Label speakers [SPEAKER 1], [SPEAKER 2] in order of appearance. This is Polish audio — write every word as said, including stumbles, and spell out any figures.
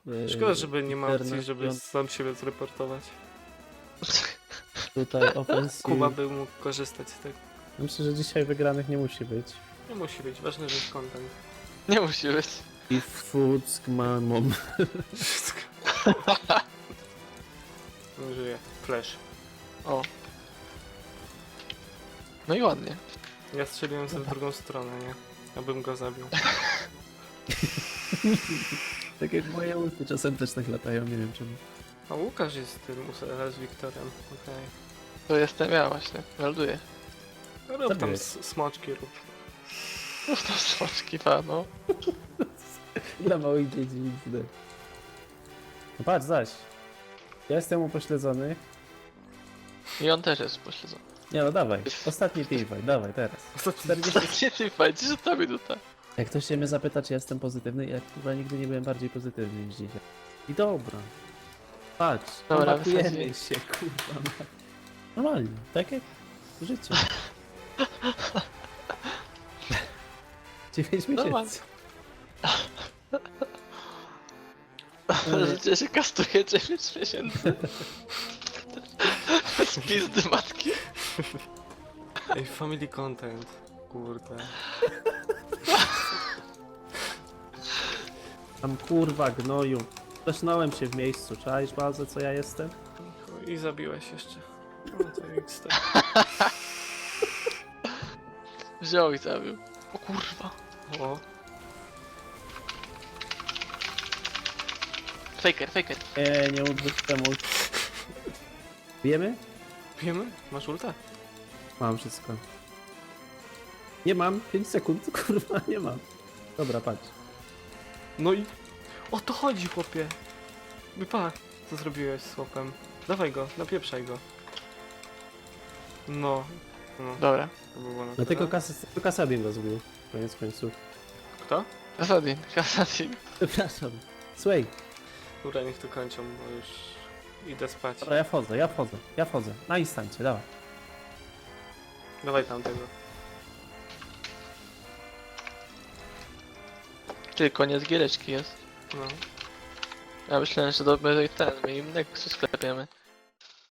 [SPEAKER 1] Yy,
[SPEAKER 2] Szkoda, żeby nie ma opcji,
[SPEAKER 1] internet,
[SPEAKER 2] żeby
[SPEAKER 1] piąt-
[SPEAKER 2] sam siebie zreportować.
[SPEAKER 1] Tutaj ofensyw.
[SPEAKER 2] Kuba by mógł korzystać z tego.
[SPEAKER 1] Myślę, że dzisiaj wygranych nie musi być.
[SPEAKER 2] Nie musi być, ważne, że jest content.
[SPEAKER 3] Nie musi być.
[SPEAKER 1] I Fuck mamą.
[SPEAKER 2] Wszystko. Nie żyje. Flash.
[SPEAKER 3] O. No i ładnie.
[SPEAKER 2] Ja strzeliłem sobie w drugą stronę, nie? Abym go zabił.
[SPEAKER 1] Tak jak moje ulty czasem też tak latają, nie wiem czemu.
[SPEAKER 2] A Łukasz jest tym z Wiktorem, okej.
[SPEAKER 3] To jestem ja właśnie. Melduję.
[SPEAKER 2] Okay. Rób tam
[SPEAKER 1] Zabiłeś.
[SPEAKER 2] s- smoczki, rób.
[SPEAKER 3] No to smoczki, pa, no.
[SPEAKER 1] Dla małych dzieci nic nie. No patrz, zaś. Ja jestem upośledzony.
[SPEAKER 3] I on też jest pośledzony.
[SPEAKER 1] Nie no, dawaj. Ostatni teamfight, dawaj teraz. czterdzieści...
[SPEAKER 3] Nie ty fajnie, że ta minuta.
[SPEAKER 1] Jak ktoś się mnie zapyta, czy jestem pozytywny, ja chyba nigdy nie byłem bardziej pozytywny niż dzisiaj. I dobra. Patrz,
[SPEAKER 3] Dobra,
[SPEAKER 1] komatujemy
[SPEAKER 3] wysadziłem.
[SPEAKER 1] się, kurwa. ma- Normalnie, tak jak w życiu. Dziewięć
[SPEAKER 3] Normalnie.
[SPEAKER 1] miesięcy.
[SPEAKER 3] Życie się kastuje dziewięć miesięcy. Z pizdy matki.
[SPEAKER 2] Ej, family content. Kurde.
[SPEAKER 1] Tam kurwa gnoju. Zasznąłem się w miejscu, czaisz bazę, co ja jestem?
[SPEAKER 2] I zabiłeś jeszcze. No to X T.
[SPEAKER 3] Wziął i zabił. O kurwa.
[SPEAKER 2] O,
[SPEAKER 3] Faker, faker.
[SPEAKER 1] Nie, nie udrzyj temu. Wiemy?
[SPEAKER 2] wiemy? Masz ulta?
[SPEAKER 1] Mam wszystko. Nie mam, pięć sekund, kurwa, nie mam. Dobra, patrz.
[SPEAKER 2] No i... O to chodzi, chłopie! Wypa, co zrobiłeś z chłopem? Dawaj go, napieprzaj go. No. No,
[SPEAKER 3] Dobra.
[SPEAKER 2] to było na
[SPEAKER 1] Dlatego
[SPEAKER 2] tyle.
[SPEAKER 1] kas Kasadin go zbił. Koniec końców.
[SPEAKER 2] Kto?
[SPEAKER 3] Kasadin, Kasadin.
[SPEAKER 1] Przepraszam. Słuchaj,
[SPEAKER 2] Dobra, niech to kończą, bo już idę spać.
[SPEAKER 1] dobra, ja wchodzę, ja wchodzę, ja wchodzę. Na instancie, dawaj.
[SPEAKER 2] Dawaj tamtego.
[SPEAKER 3] Ty, koniec giereczki jest.
[SPEAKER 2] No.
[SPEAKER 3] Ja myślałem, że dobry ten, my im Nexus sklepiemy.